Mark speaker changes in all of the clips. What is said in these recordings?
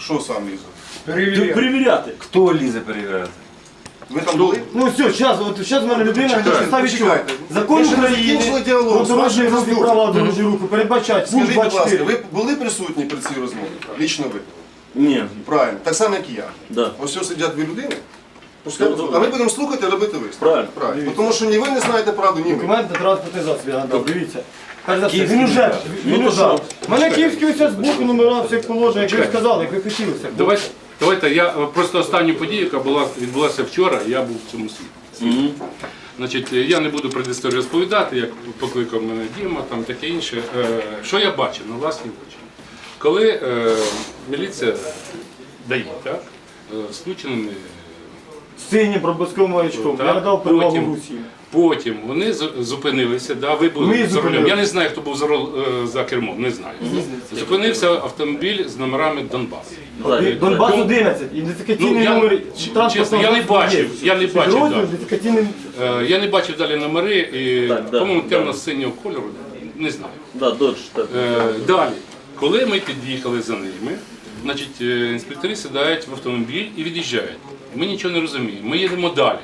Speaker 1: Що сам лізе?
Speaker 2: Перевіряти.
Speaker 3: Хто лізе перевіряти?
Speaker 1: Ви там були?
Speaker 4: Ну все, зараз в мене людина на підставі чого?
Speaker 1: Почекайте.
Speaker 4: Закон
Speaker 1: Ви ще не
Speaker 4: України
Speaker 1: закінчили діалог
Speaker 4: про
Speaker 1: з
Speaker 4: дорожній
Speaker 1: вашим
Speaker 4: рух і
Speaker 1: заступником.
Speaker 4: права дорожнього руху передбачають пункт
Speaker 1: Скажіть, будь ласка,
Speaker 4: 24.
Speaker 1: ви були присутні при цій розмові? Лічно ви?
Speaker 2: Ні.
Speaker 1: Правильно. Так само, як і я.
Speaker 2: Да.
Speaker 1: Ось ось сидять дві людини.
Speaker 2: Ну,
Speaker 1: А ми будемо слухати і робити висновок.
Speaker 2: Правильно.
Speaker 1: Правильно. Тому що ні ви не знаєте правду, ні ми.
Speaker 4: Документ на транспортний засіб, я надав, дивіться. Перш за все,
Speaker 3: Київський
Speaker 4: він уже,
Speaker 2: Ну,
Speaker 4: він
Speaker 2: то
Speaker 4: уже.
Speaker 2: що?
Speaker 4: У мене київський ось з боку номера, все як положено, як ви сказали, як ви хотіли. все.
Speaker 5: Давайте, я просто останню подію, яка відбулася вчора, я був в цьому світі. Значить, я не буду предісторію розповідати, як покликав мене Діма, там таке інше. Що я бачив на власні очі? Коли міліція дає, так, з включеними,
Speaker 4: Синім пробузковим маячком,
Speaker 5: Так,
Speaker 4: я надав перевагу
Speaker 5: потім.
Speaker 4: Русі.
Speaker 5: потім вони зупинилися, да, ви були
Speaker 4: Ми
Speaker 5: за рулем.
Speaker 4: зупинилися.
Speaker 5: Я не знаю, хто був за кермом, не знаю. Зупинився автомобіль з номерами Донбас.
Speaker 4: Донбас 11, ідентифікаційний номер
Speaker 5: чесно, я не бачив, я не бачив,
Speaker 4: Підрозділ,
Speaker 5: да.
Speaker 4: ідентифікаційний.
Speaker 5: Я не бачив далі номери, і,
Speaker 2: Так, да,
Speaker 5: по-моєму,
Speaker 2: да.
Speaker 5: темно-синього кольору, не знаю.
Speaker 2: Да, додж, так.
Speaker 5: Далі, коли ми під'їхали за ними, значить, інспектори сідають в автомобіль і від'їжджають. Ми нічого не розуміємо, ми їдемо далі.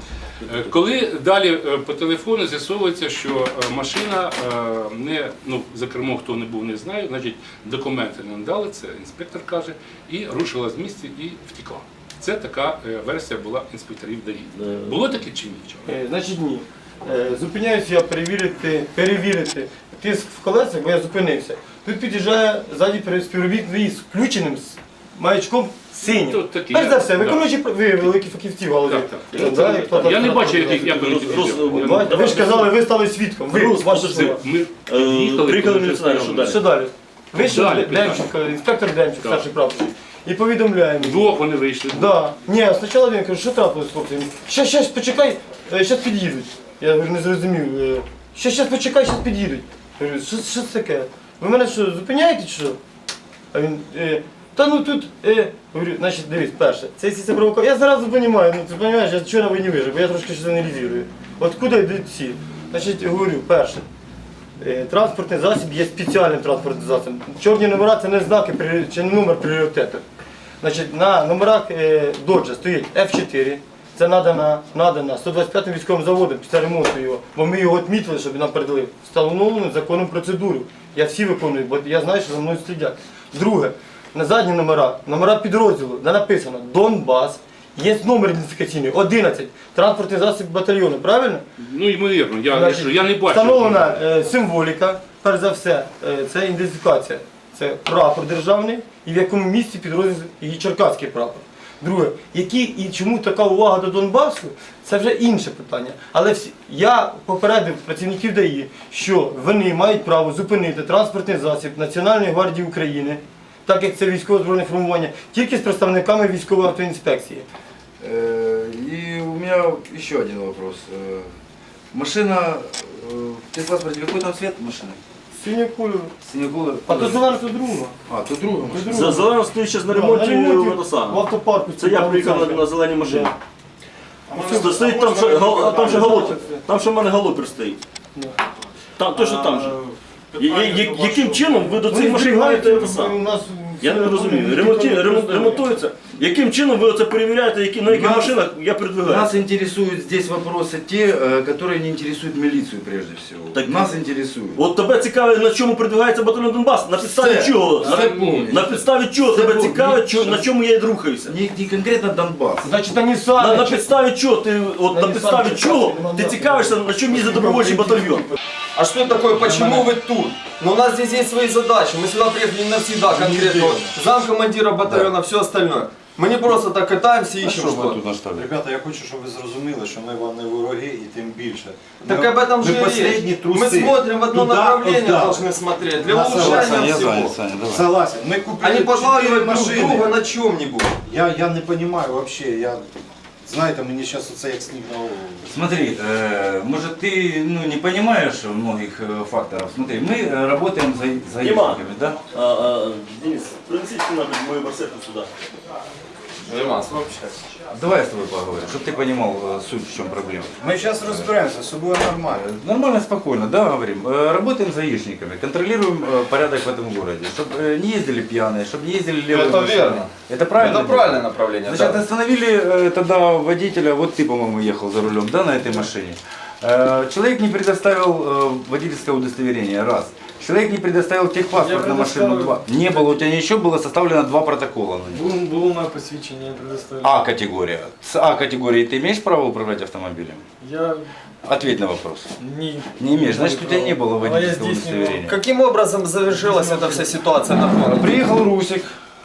Speaker 5: Коли далі по телефону з'ясовується, що машина не, ну, за кермом хто не був, не знаю, значить документи не надали, це інспектор каже, і рушила з місця і втекла. Це така версія була інспекторів ДАІ. Було таке чи ні вчора?
Speaker 4: Значить ні. Зупиняюся я перевірити тиск в колесах, бо я зупинився. Тут під'їжджає ззаді співробітник з включеним з маячком синім.
Speaker 5: Тут такі,
Speaker 4: Перш за все,
Speaker 5: да.
Speaker 4: виконуючи, ви великі фахівці в голові.
Speaker 5: Так.
Speaker 4: Да, експлуатація
Speaker 5: Я не бачу,
Speaker 4: транспортного
Speaker 5: як вони
Speaker 4: засобу.
Speaker 5: під'їжджали.
Speaker 4: Ви ж казали, ви стали свідком. Ви,
Speaker 2: Рус,
Speaker 4: ваші
Speaker 2: подожди.
Speaker 4: слова.
Speaker 5: Ми
Speaker 2: Приїхали міліціонери, що далі?
Speaker 4: Що далі? Вийшов
Speaker 5: Далі,
Speaker 4: Демченко, інспектор Демченко, старший прапорщик. І повідомляємо.
Speaker 5: Вдвох вони вийшли.
Speaker 4: Да. Ні, спочатку він каже, що трапилось, хлопці? Щас, почекай, щас під'їдуть. Я говорю, не зрозумів. Щас почекай, щас під'їдуть. Я говорю, що це таке? Ви мене що, зупиняєте чи що? А він, та ну тут, говорю, значить, дивись, перше, це якщо це провокація. Я зразу розумію, ну ти розумієш, я чого на війні вижив, бо я трошки щось аналізую. От куди йдуть всі? Значить, говорю, перше, транспортний засіб є спеціальним транспортним засобом. Чорні номера це не знаки чи не номер пріоритету. Значить, на номерах Доджа стоїть F4, це надана 125-м військовим заводом після ремонту його, бо ми його відмітили, щоб нам передали. Встановлено законом процедуру. Я всі виконую, бо я знаю, що за мною слідять. Друге, на задні номера підрозділу, де написано Донбас, є номер ідентифікаційний 11, транспортний засіб батальйону, правильно?
Speaker 5: Ну, ймовірно,
Speaker 4: Значить,
Speaker 5: я не бачу.
Speaker 4: Встановлена символіка, перш за все, це ідентифікація. Це прапор державний і в якому місці підрозділ і черкаський прапор. Друге, які і чому така увага до Донбасу, це вже інше питання. Але я попередив працівників ДАІ, що вони мають право зупинити транспортний засіб Національної гвардії України, так як це військово-збройне формування, тільки з представниками військової автоінспекції.
Speaker 3: И у меня еще один вопрос. Машина, в техпаспорте какой там цвет машины?
Speaker 4: Синього кольору.
Speaker 3: Синего колора?
Speaker 4: А то зелена, то друга.
Speaker 3: А, то друга машина.
Speaker 2: За зелено стоїть зараз на
Speaker 4: Да,
Speaker 2: ремонті,
Speaker 4: в
Speaker 2: воно саме.
Speaker 4: автопарку.
Speaker 2: Це я приїхав на зеленій машині.
Speaker 4: Да.
Speaker 2: Стоїть там, там ще галопер. Там ще в мене галопер стоїть. Там, точно там же. Яким чином ви до цих машин маєте те саме? Я не розумію. Ремонтується. Яким чином ви оце перевіряєте, на яких машинах я передвигаю?
Speaker 3: Нас интересуют здесь вопросы те, которые не интересуют милицию прежде всего.
Speaker 2: Так,
Speaker 3: нас интересуют.
Speaker 2: От тебе цікавить, на чому передвигається батальйон Донбас? На підставі
Speaker 3: Все.
Speaker 2: чого?
Speaker 3: Все повністю.
Speaker 2: На підставі чого
Speaker 3: Все
Speaker 2: тебе
Speaker 3: повністю.
Speaker 2: цікавить, на чому я рухаюся?
Speaker 3: Не конкретно Донбасс.
Speaker 4: Значить, вони самі.
Speaker 2: На підставі чого ти, на підставі чого ти цікавишся, на чому їздить добровольчий батальйон?
Speaker 6: А что такое, почему вы тут? Но у нас здесь есть свои задачи, мы сюда приехали не навсегда конкретно. Вот, замкомандира батальона, все остальное. Мы не просто так катаемся и ищем что-то.
Speaker 7: Ребята, я хочу, щоб ви зрозуміли, що ми вам не вороги і тим більше.
Speaker 6: Так об этом же и
Speaker 7: последні
Speaker 6: речь.
Speaker 7: труси.
Speaker 6: Мы смотрим в одно
Speaker 7: Туда,
Speaker 6: направление,
Speaker 7: туда.
Speaker 6: должны смотреть, для
Speaker 7: Я
Speaker 6: улучшения
Speaker 7: согласен,
Speaker 6: всего.
Speaker 7: Согласен. Ми купили
Speaker 6: А не
Speaker 7: 4
Speaker 6: подлавливать друг
Speaker 7: машини.
Speaker 6: друга на чем-нибудь.
Speaker 7: Я не розумію взагалі, знаєте, мені зараз оце як сніг на голову.
Speaker 3: Смотри, может ты не понимаешь многих факторов. Смотри, мы работаем за
Speaker 2: Дима.
Speaker 3: гаишниками, да?
Speaker 2: Денис, принесіть мою барсетку сюди.
Speaker 6: Нема.
Speaker 3: Давай я с тобой поговорим, чтобы ты понимал суть, в чем проблема.
Speaker 7: Мы сейчас разбираемся, с собой нормально.
Speaker 3: Нормально, спокойно, да, говорим. Работаем с гаишниками, контролируем порядок в этом городе, чтобы не ездили пьяные, чтобы не ездили левые
Speaker 6: Это
Speaker 3: машины.
Speaker 6: верно.
Speaker 3: Это правильно?
Speaker 6: Это правильное направление.
Speaker 3: Значит,
Speaker 6: да.
Speaker 3: остановили тогда водителя, вот ты, по-моему, ехал за рулем, да, на этой машине. Человек не предоставил водительское удостоверение, раз. Человек не предоставил техпаспорт на машину, два. Не было, у тебя ничего, было составлено 2 протокола на него.
Speaker 4: Було моє посвідчення, я предоставив.
Speaker 3: А категория. С А категории ты имеешь право управлять автомобилем?
Speaker 4: Я
Speaker 3: Ответь на вопрос.
Speaker 4: ні.
Speaker 3: Не имеешь, значит у тебя не было
Speaker 4: А я
Speaker 3: водительского
Speaker 4: здесь не
Speaker 3: удостоверения.
Speaker 6: Каким образом завершилась эта вся ситуация на фронте?
Speaker 3: Приехал Русик.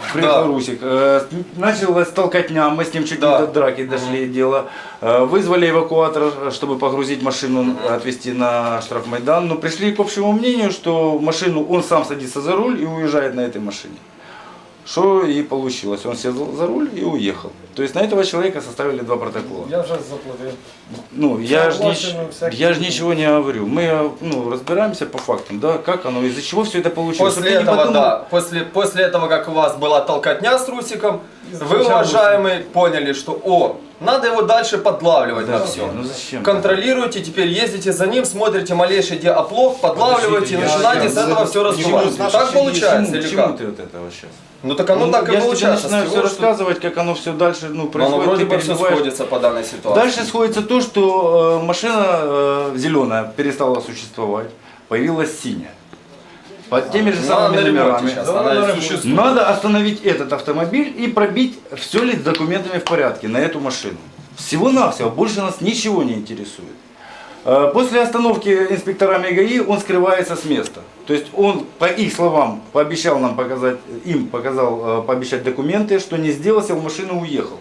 Speaker 3: Началась толкотня, мы с ним чуть
Speaker 6: Да.
Speaker 3: не до драки дошли дело. Вызвали эвакуатор, чтобы погрузить машину, отвезти на штрафмайдан. Но пришли к общему мнению, что машину он сам садится за руль и уезжает на этой машине. Что и получилось. Он сел за руль и уехал. То есть на этого человека составили 2 протокола.
Speaker 4: Я вже заплатив.
Speaker 3: Ну, я ж
Speaker 4: Согласен, всякие
Speaker 3: я ж ничего не говорю. Мы разбираемся по фактам, да, как оно, из-за чего все это получилось.
Speaker 6: После
Speaker 3: Чтобы ты не
Speaker 6: этого,
Speaker 3: подумал,
Speaker 6: да, после этого, как у вас была толкотня с Русиком, вы,
Speaker 4: Сначала
Speaker 6: уважаемые, поняли, что надо его дальше подлавливать на все.
Speaker 3: Ну зачем?
Speaker 6: Контролируете, теперь ездите за ним, смотрите малейший где оплох, подлавливаете и начинаете с этого все разбивать.
Speaker 7: Почему?
Speaker 6: Так получается
Speaker 3: Почему,
Speaker 6: или
Speaker 3: почему
Speaker 6: как?
Speaker 3: ты вот этого сейчас?
Speaker 6: Ну так оно так и
Speaker 3: я же тебе
Speaker 6: получается.
Speaker 3: начинаю
Speaker 6: с
Speaker 3: все
Speaker 6: того, что-
Speaker 3: рассказывать, как оно все дальше
Speaker 6: Но оно
Speaker 3: происходит.
Speaker 6: вроде
Speaker 3: ты
Speaker 6: бы все
Speaker 3: переживаешь.
Speaker 6: сходится по данной ситуации.
Speaker 3: Дальше сходится то, что машина зеленая перестала существовать, появилась синяя. Под теми же
Speaker 6: Ну, она
Speaker 3: самыми
Speaker 6: на ремонте
Speaker 3: номерами.
Speaker 6: сейчас, она и существует.
Speaker 3: Надо остановить этот автомобиль и пробить, все ли с документами в порядке на эту машину. Всего-навсего, больше нас ничего не интересует. После остановки инспекторами ГАИ он скрывается с места. То есть он, по их словам, пообещал нам показать, пообещать документы, что не сделал, сел в машину и уехал.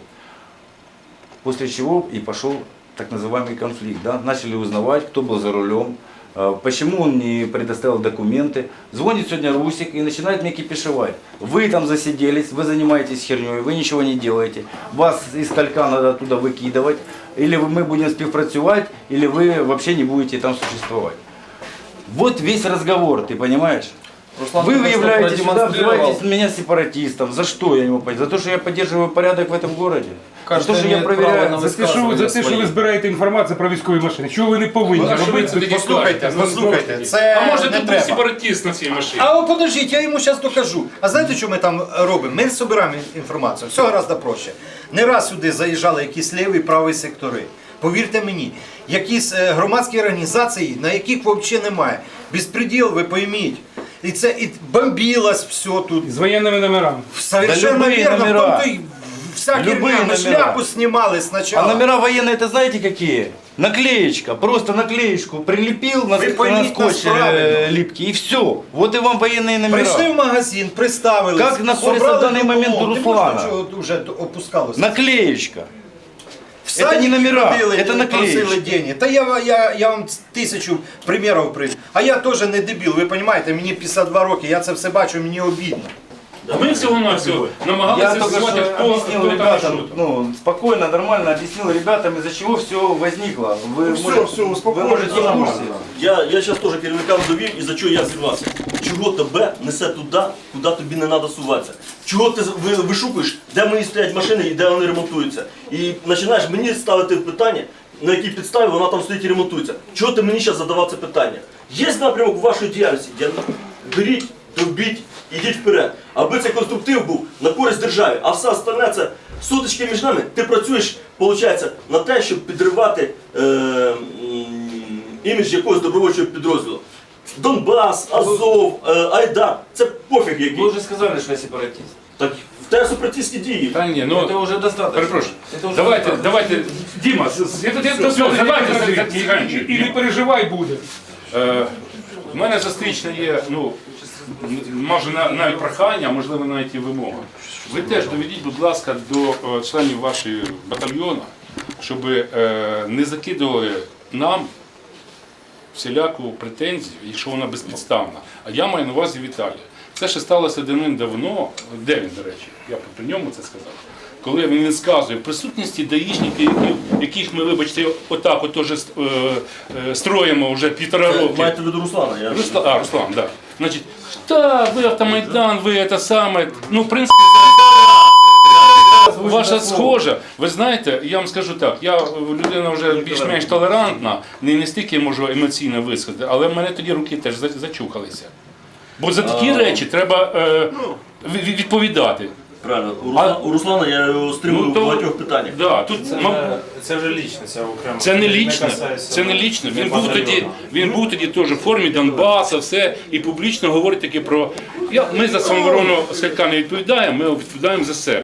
Speaker 3: После чего и пошел так называемый конфликт. Да? Начали узнавать, кто был за рулем, почему он не предоставил документы. Звонит сегодня Русик и начинает мне кипишевать. Вы там засиделись, вы занимаетесь херней, вы ничего не делаете. Вас из калька надо оттуда выкидывать. Или мы будем співпрацювать, или вы вообще не будете там существовать. Вот весь разговор, ты понимаешь?
Speaker 6: Руслан
Speaker 3: Вы
Speaker 6: только что
Speaker 3: выявляете сюда,
Speaker 6: продемонстрировал.
Speaker 3: называете меня сепаратистом. За что я не могу понять? За то, что я поддерживаю порядок в этом городе? За
Speaker 6: Каждый
Speaker 3: то, что я
Speaker 6: имеет право
Speaker 3: проверяю...
Speaker 6: на
Speaker 8: За те, що ви збираєте інформацію про військові машини, чого ви не повинні
Speaker 5: А що ви
Speaker 8: робити?
Speaker 5: це таке
Speaker 7: Послухайте,
Speaker 5: кажете?
Speaker 7: послухайте, це
Speaker 5: А може
Speaker 7: не
Speaker 5: тут був
Speaker 7: треба.
Speaker 5: сепаратист на цій машині?
Speaker 7: А от подождіть, я йому зараз докажу. А знаєте, що ми там робимо? Ми збираємо інформацію. Все гораздо проще. Не раз сюди заїжджали якісь ліві і праві сектори. Повірте мені, якісь громадські організації, на яких взагалі немає. Безпреділ, ви пойміть. І це і бомбілось все тут.
Speaker 8: З воєнними номерами.
Speaker 7: Совершенно
Speaker 3: Да любые
Speaker 7: верно, в
Speaker 3: номера.
Speaker 7: том-то и вся
Speaker 3: Любые
Speaker 7: херня. Мы
Speaker 3: номера.
Speaker 7: шляпу снимали
Speaker 3: А
Speaker 7: сначала.
Speaker 3: номера военные, это знаете какие? Наклеечка, просто наклеечку прилепил на,
Speaker 7: Вы
Speaker 3: на
Speaker 7: поймите
Speaker 3: скотч
Speaker 7: нас правильно.
Speaker 3: липкий и все. Вот и вам военные номера.
Speaker 7: Прийшли в магазин, представили.
Speaker 3: Как знаходиться в даний момент у Руслана?
Speaker 7: Вже опускалося.
Speaker 3: Наклеечка.
Speaker 7: В садик
Speaker 3: не номера,
Speaker 7: ходили,
Speaker 3: это наклеечки.
Speaker 7: просили деньги. Та я вам 1000 примірів привів. А я теж не дебіл, ви розумієте, мені 52 роки, я це все бачу, мені обідно.
Speaker 5: Ми всього-навсього намагалися
Speaker 3: Я только
Speaker 5: з'ясувати,
Speaker 3: что
Speaker 5: хто
Speaker 3: объяснил
Speaker 5: там і
Speaker 3: ребятам,
Speaker 5: що.
Speaker 3: ну, спокойно, нормально объяснил ребятам, из-за чего все возникло. Вы,
Speaker 1: все, успокойтесь,
Speaker 3: вы можете в
Speaker 1: нормально.
Speaker 3: курсе.
Speaker 2: Я зараз теж керівникам довів, і за чого я зірвався. Чого тебе несе туди, куди тобі не треба суватися? Чого ти вишукуєш, де мої стоять машини і де вони ремонтуються? І починаєш мені ставити питання, на якій підставі вона там стоїть і ремонтується. Чого ти мені зараз задавав це питання? Є напрямок вашої діяльності? Беріть, довбіть, ідіть вперед. Аби цей конструктив був на користь державі, а все остальне це сутички між нами. Ти працюєш, виходить, на те, щоб підривати імідж якогось добровольчого підрозділу. Донбас, Азов, Айдар, це пофіг який.
Speaker 3: Вы уже сказали, что я сепаратист.
Speaker 2: Так в тебе сепаратистські дії.
Speaker 5: Та ні, ну,
Speaker 3: Это уже достаточно.
Speaker 5: перепрошую.
Speaker 3: Это уже
Speaker 5: Давайте,
Speaker 3: достаточно.
Speaker 5: давайте, Діма,
Speaker 8: І не переживай буде.
Speaker 5: У мене зустрічне є, ну, може навіть прохання, а можливо навіть і вимога. Ви теж доведіть, будь ласка, до членів вашого батальйону, щоб не закидували нам всіляку претензію, якщо вона безпідставна. А я маю на увазі Віталія. Це ще сталося давним-давно, де він, до речі, я при ньому це сказав, коли він сказує в присутності даїшників, яких ми, вибачте, отак от теж строїмо вже 1,5 роки.
Speaker 2: Маєте в виду Руслана? Я...
Speaker 5: Руслан, так. Да. Значить, та, ви автомайдан, ви це саме, ну, в принципі, ваша схожа. Ви знаєте, я вам скажу так, я людина вже більш-менш толерантна, не стільки можу емоційно висказати, але в мене тоді руки теж зачухалися. Бо за такі речі треба відповідати.
Speaker 2: Правильно. У Руслана я його стримую в багатьох питаннях.
Speaker 5: Да, тут,
Speaker 9: Це вже лічне, це окремо.
Speaker 5: це не лічно, це не лічно. Він був тоді теж в формі Донбаса, все, і публічно говорить таки про... Ми за самооборону Скалька не відповідаємо, ми відповідаємо за себе.